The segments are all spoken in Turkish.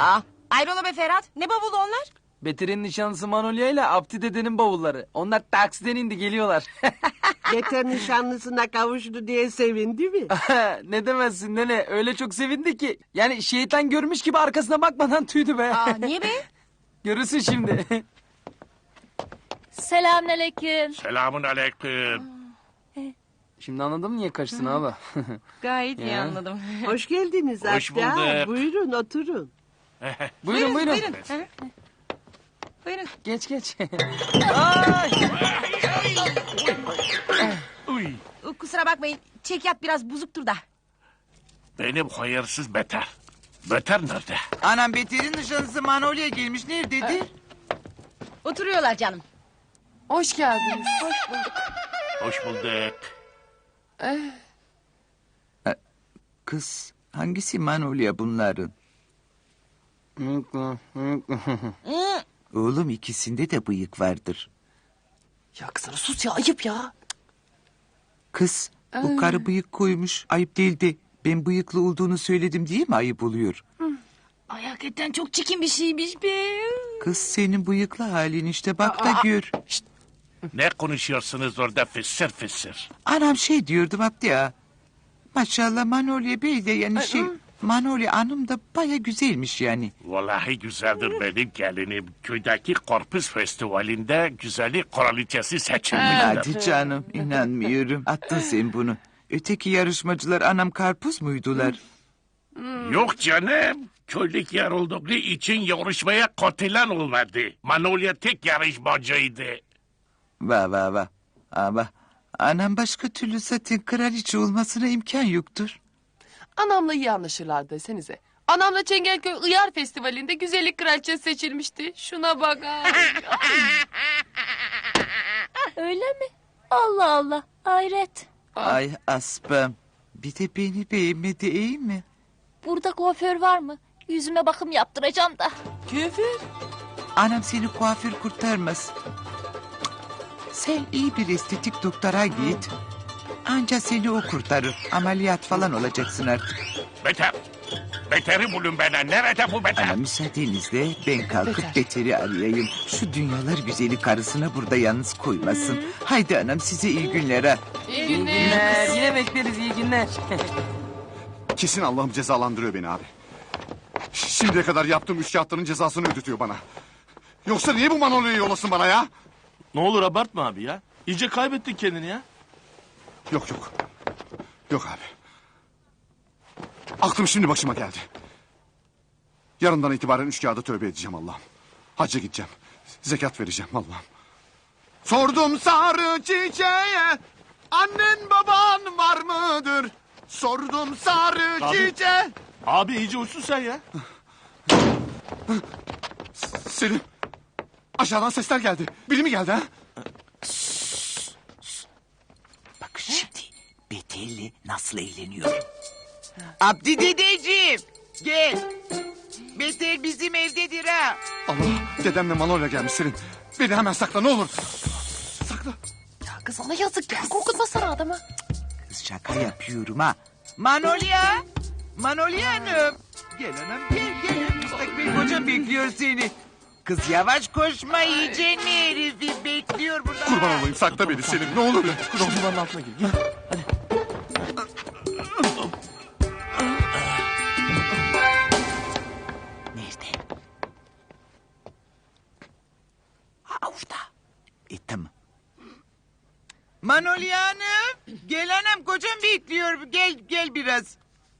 Ayrola be Ferhat. Ne bavulu onlar? Beter'in nişanlısı Manolya ile Abdi dedenin bavulları. Onlar taksiden indi geliyorlar. Beter nişanlısına kavuştu diye sevindi mi? Ne demezsin nene, öyle çok sevindi ki. Yani şeytan görmüş gibi arkasına bakmadan tüydü be. Niye be? Görürsün şimdi. Selamünaleyküm. Selamun aleyküm. Şimdi anladın mı niye kaçtın abi? Gayet iyi Ya. anladım. Hoş geldiniz Hoş Abdi ağa. bulduk. Buyurun oturun. Buyurun. Buyurun. Buyurun. Geç. Uy, Kusura bakmayın. Çekyat biraz bozuktur da. benim hayırsız Beter. Beter nerede? Anam Beter'in nişanlısı Manolya gelmiş. Nerededir? Oturuyorlar canım. Hoş geldiniz. Hoş bulduk. Hoş bulduk. Kız hangisi Manolya bunların? Oğlum ikisinde de bıyık vardır. Ya kızım sus ya, ayıp ya. Kız bu karı bıyık koymuş. Ayıp değildi. Ben bıyıklı olduğunu söyledim diye mi ayıp oluyor? Ay hakikaten çok çirkin bir şeymiş be. Kız senin bıyıklı halin işte bak da gör. Ne konuşuyorsunuz orada fısır fısır? Anam şey diyordum Abdi ya. Maşallah Manolya Bey de yani Manolya Hanım da baya güzelmiş yani. Vallahi güzeldir benim gelinim. Köydeki Korpus Festivali'nde güzellik kraliçesi seçilmişler. Hadi canım inanmıyorum. Attın sen bunu. Öteki yarışmacılar anam karpuz muydular? Yok canım. Köylük yer olduğu için yarışmaya katılan olmadı. Manolya tek yarışmacıydı. Va. Ama anam başka türlü zaten kraliçe olmasına imkan yoktur. Anamla iyi anlaşırlar desenize. Anamla Çengelköy Iyar Festivali'nde güzellik kraliçesi seçilmişti. Şuna bak. Öyle mi? Allah Allah, hayret. Ay aspam. Bir de beni beğenmedi iyi mi? Burada kuaför var mı? Yüzüme bakım yaptıracağım da. Küfür. Anam seni kuaför kurtarmaz. Sen iyi bir estetik doktora git. Anca seni o kurtarır. Ameliyat falan olacaksın artık. Beter. Beter'i bulun bana. Nerede bu Beter? Ama müsaadenizle ben kalkıp Beter'i arayayım. Şu dünyalar güzeli karısına burada yalnız koymasın. Haydi anam size iyi günler ha. İyi İyi günler. günler. Yine bekleriz iyi günler. Kesin Allah'ım cezalandırıyor beni abi. Şimdiye kadar yaptığım üç kağıtların cezasını ödetiyor bana. Yoksa niye bu Manolya'yı yollasın bana ya? Ne olur abartma abi ya. İyice kaybettin kendini ya. Yok. Yok abi. Aklım şimdi başıma geldi. Yarından itibaren üç kağıda tövbe edeceğim Allah'ım. Hacca gideceğim. Zekat vereceğim Allah'ım. Sordum sarı çiçeğe, annen baban var mıdır? Sordum sarı Abi. çiçeğe. Abi iyice uçsun sen ya. Selim. Aşağıdan sesler geldi. Biri mi geldi ha? Bak şimdi Beter'le nasıl eğleniyorum. Abdi dedeciğim gel. Beter bizim evdedir ha. Allah, dedemle Manolya gelmiş Selim. Beni hemen sakla ne olur. Sakla. Ya kız ona yazık ya. Korkutmasana adamı. Kız şaka yapıyorum ha. Manolya. Manolya Hanım. Gel anam gel. Müstakbel kocam bekliyor seni. Kız yavaş koşma yiyeceksin mi herifi bekliyor burada. Kurban olayım sakla beni Selim ne olur. Şu duvarın altına gir. Gel. Nerede? Ha orada. Tamam. Manolya Hanım. Gel anam kocam bekliyor. Gel biraz.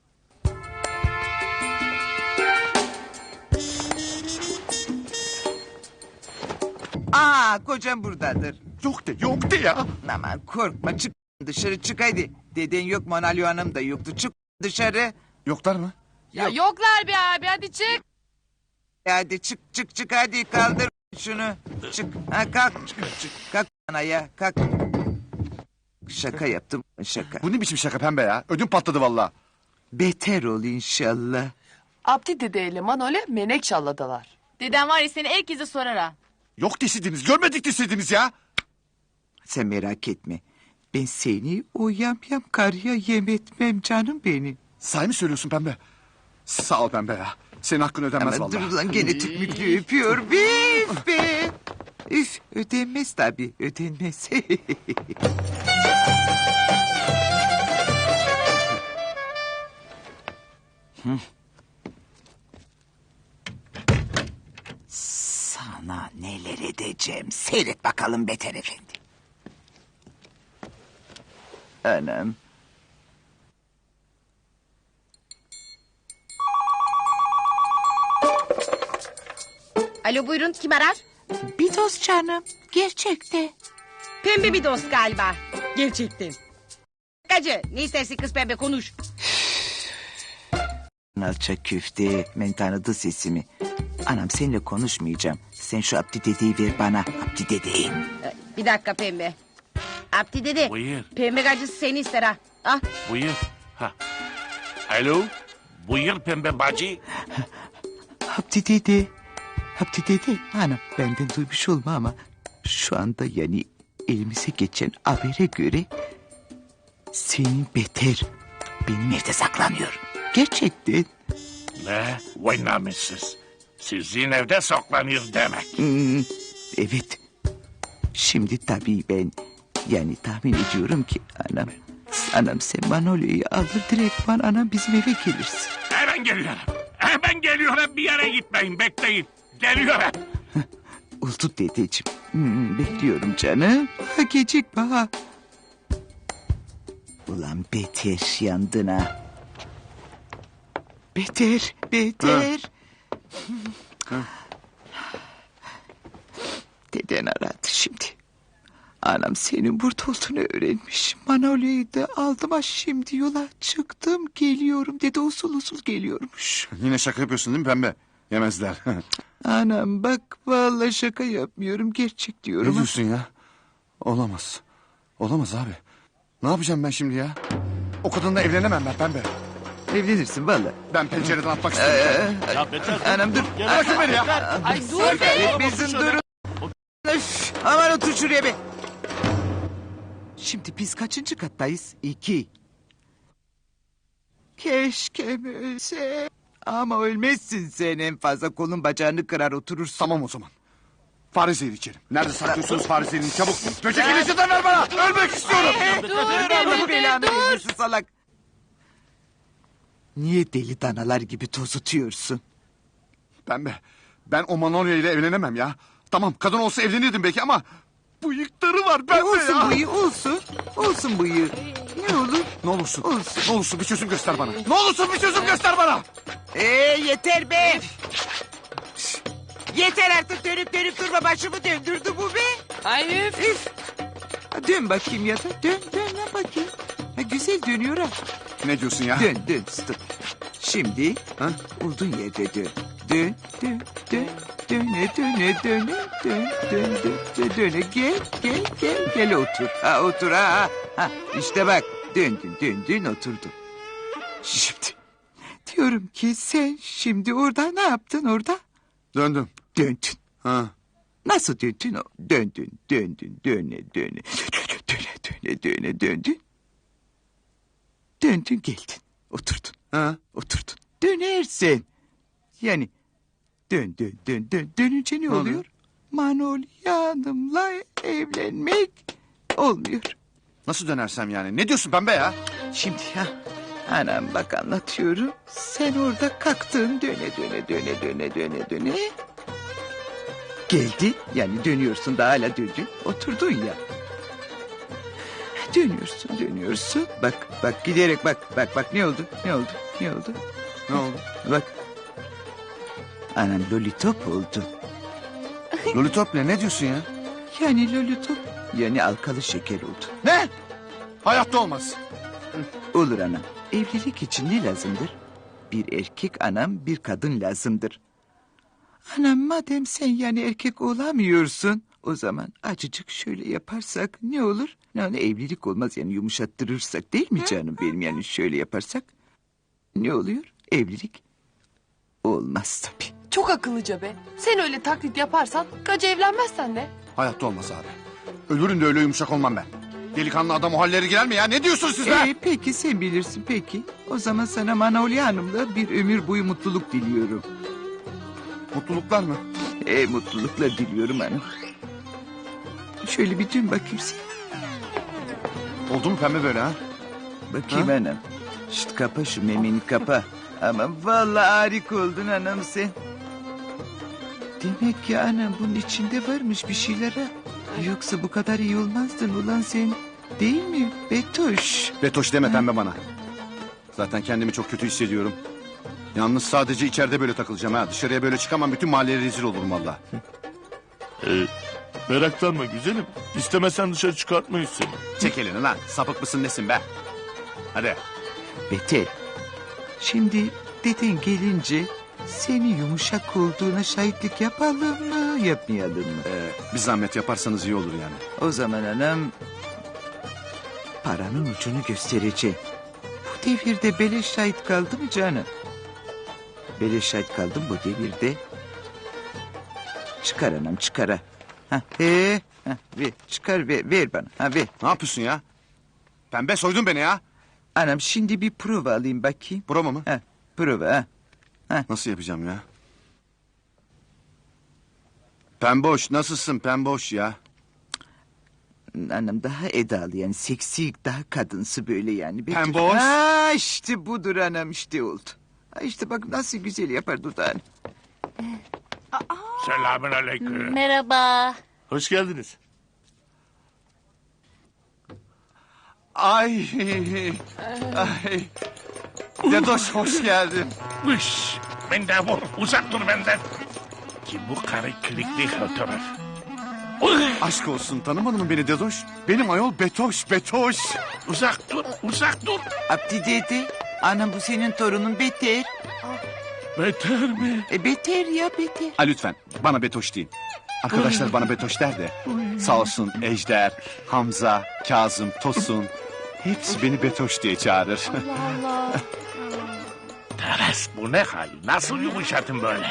Aa kocam buradadır. Yok de ya. Aman korkma çık dışarı çık hadi. Deden yok Manolya Hanım da yoktu. Çık dışarı. Yoklar mı? Ya yoklar be abi, hadi çık. Hadi çık hadi kaldır şunu. Çık ha kalk. Kalk bana ya kalk. Şaka yaptım şaka. Bu ne biçim şaka pembe ya? Ödüm patladı valla. Beter ol inşallah. Abdi dedeyle Manolya Menekşalla'dalar. Dedem var ya seni herkese sorar ha. Yok deseydiniz görmedik deseydiniz ya. Sen merak etme. Ben seni o yamyam karıya yem etmem canım benim. Sahi mi söylüyorsun pembe? Sağ ol pembe ya. Senin hakkın ödenmez Ama vallahi. dur lan gene tükmüklü öpüyor. Üf be. Üf ödenmez tabii ödenmez. Sana neler edeceğim. Seyret bakalım Beter Efendi. Anam. Alo buyurun kim arar? Bir dost canım. Gerçekte. Pembe bir dost galiba. Gerçekten. Gacı ne istersin kız pembe konuş. Alçak köfte. Ben tanıdı sesimi. Anam seninle konuşmayacağım. Sen şu Abdi dedeyi ver bana. Abdi dedeyi. Bir dakika pembe. Abdi dede. Buyur. Pembe gacısı seni ister ha. Ah. Buyur. Ha. Alo. Buyur pembe bacı. Abdi dede. Abdi dede. Anam benden duymuş olma ama şu anda yani elimize geçen habere göre senin Beter benim evde saklanıyor. Gerçekten. Ne? Vay namussuz. Sizin evde saklanıyor demek. Evet. Şimdi tabii ben yani tahmin ediyorum ki anam sen Manolya'yı alır direktman anam bizim eve gelirsin. Hemen geliyorum. Hemen geliyorum. Bir yere gitmeyin. Bekleyin. Geliyorum. Oldu dedeciğim. Bekliyorum canım. Ha, gecikme ha. Ulan Beter yandın ha. Beter. Deden aradı şimdi. Anam senin burada olduğunu öğrenmiş. Manolya'yı da aldım ha şimdi yola çıktım geliyorum dedi usul usul geliyormuş. Yine şaka yapıyorsun değil mi pembe? Yemezler. Anam bak vallahi şaka yapmıyorum gerçek diyorum. Ne ha. diyorsun ya? Olamaz. Olamaz abi. Ne yapacağım ben şimdi ya? O kadınla evlenemem ben pembe. Evlenirsin vallahi. Ben pencereden atmak istiyorum. Ya Beter. Anam dur. Bırakın beni ya. Ay dur be. Etmesin durun. Öf, aman otur şuraya be. Şimdi biz kaçıncı kattayız? 2. Keşke ölse. Ama ölmezsin sen en fazla kolun bacağını kırar oturursun. Tamam o zaman. Fare zehri içerim. Nerede saklıyorsunuz fare zehrini çabuk. Böcek ilacından ver bana. Ölmek istiyorum. Allah belanı vermesin salak. Niye deli danalar gibi tozutuyorsun? Pembe. Ben o Manolya ile evlenemem ya. Tamam kadın olsa evlenirdim belki ama... Bıyıkları var pembe Olsun ya. bıyığı olsun. Olsun bıyığı. Ne olur? Ne olursun. Olsun. Ne olursun bir çözüm göster bana. Ne olursun bir çözüm göster bana. Yeter be. Yeter artık dönüp durma başımı döndürdü bu be. Ay üf. Üf. Ha, dön bakayım ya da dön lan bakayım. Ha, güzel dönüyor ha. Ne diyorsun ya? Dön stop. Şimdi Ha? olduğun yerde dön. Döne gel otur. Ha otur ha. İşte bak döndün oturdun. Şimdi diyorum ki sen şimdi orada ne yaptın orada? Döndüm. Döndün. Ha. Nasıl döndün? Döndün. Döndün geldin. Oturdun. Ha. Oturdun. Dönersin. Yani dönünce ne oluyor? Manolya Hanım'la evlenmek olmuyor. Nasıl dönersem yani? Ne diyorsun pembe ya? Şimdi ha anam bak anlatıyorum. Sen orada kalktın döne. Geldin yani dönüyorsun da hala döndün. Oturdun ya. Dönüyorsun. Bak giderek bak ne oldu? Ne oldu? Bak. Anam lollipop oldu. Lollipop ne diyorsun ya? Yani lollipop yani alkalı şeker oldu. Ne? Hayatta olmaz. Olur anam. Evlilik için ne lazımdır? Bir erkek anam bir kadın lazımdır. Anam madem sen yani erkek olamıyorsun... O zaman acıcık şöyle yaparsak ne olur? Ne evlilik olmaz yani yumuşattırırsak değil mi canım benim yani şöyle yaparsak? Ne oluyor? Evlilik olmaz tabii. Çok akıllıca be. Sen öyle taklit yaparsan gacı evlenmezsen de. Hayatta olmaz abi. Ölürüm de öyle yumuşak olmam ben. Delikanlı adam o halleri girer mi ya? Ne diyorsunuz siz be? Peki sen bilirsin peki. O zaman sana Manolya Hanım'la bir ömür boyu mutluluk diliyorum. Mutluluklar mı? Mutluluklar diliyorum hanım. Şöyle bir dön bakayım sen. Oldu mu pembe böyle ha? Bakayım hanım. Şşt kapa şu memeni kapa. Aman vallahi harika oldun hanım sen. Demek ki anam bunun içinde varmış bir şeyler ha. Yoksa bu kadar iyi olmazdın ulan sen. Değil mi Betoş? Betoş deme pembe bana. Zaten kendimi çok kötü hissediyorum. Yalnız sadece içeride böyle takılacağım ha. Dışarıya böyle çıkamam, bütün mahalleye rezil olurum valla. Meraklanma güzelim. İstemesen dışarı çıkartmayız seni. Çek elini lan. Sapık mısın nesin be? Hadi. Beter. Şimdi deden gelince seni yumuşak olduğuna şahitlik yapalım mı yapmayalım mı? Bir zahmet yaparsanız iyi olur yani. O zaman hanım paranın ucunu göstereceğim. Bu devirde beleş şahit kaldı mı canım? Beleş şahit kaldım bu devirde. Çıkar anam çıkar ha. Ver çıkar ver bana ver. Ne yapıyorsun ya? Pembe soydun beni ya. Anam şimdi bir prova alayım bakayım. Bravo mu? Prova ha. Nasıl yapacağım ya? Pemboş nasılsın pemboş ya? Anam daha edalı yani seksi daha kadınsı böyle yani. Pemboş. Ha işte budur anam işte oldu. Ha işte bak nasıl güzel yapar dudağını. Selamünaleyküm. Merhaba. Hoş geldiniz. Ay. Ay. Dedoş hoş geldin. Üş, mendebur, uzak dur benden. Kim bu karı klikli fotoğraf? Aşk olsun tanımadın mı beni Dedoş? Benim ayol Betoş Betoş. Uzak dur, uzak dur. Abdi dedi. Anam bu senin torunun Beter. Beter mi? Beter ya Beter. Ha lütfen bana Betoş deyin. Arkadaşlar bana Betoş der de. Sağ olsun Ejder, Hamza, Kazım, Tosun. Hepsi beni Betoş diye çağırır. Allah Allah. Teres bu ne hal? Nasıl yumuşadın böyle?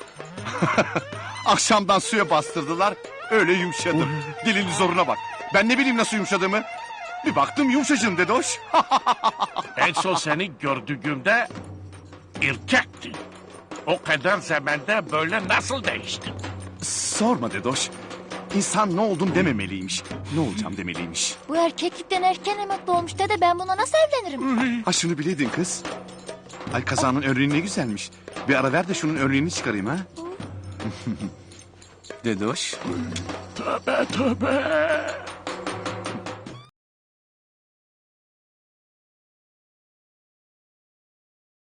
Akşamdan suya bastırdılar. Öyle yumuşadım. Dilin zoruna bak. Ben ne bileyim nasıl yumuşadığımı. Bir baktım yumuşacığım Dedoş. En son seni gördüğümde erkektin. O kadar zamanda böyle nasıl değiştin? Sorma Dedoş. İnsan ne oldum dememeliymiş. Ne olacağım demeliymiş. Bu erkeklikten erken emekli olmuş dede, ben buna nasıl evlenirim? Ha şunu bileydin kız. Ay kazanın örneği ne güzelmiş. Bir ara ver de şunun örneğini çıkarayım ha. Dedoş. Tövbe tövbe.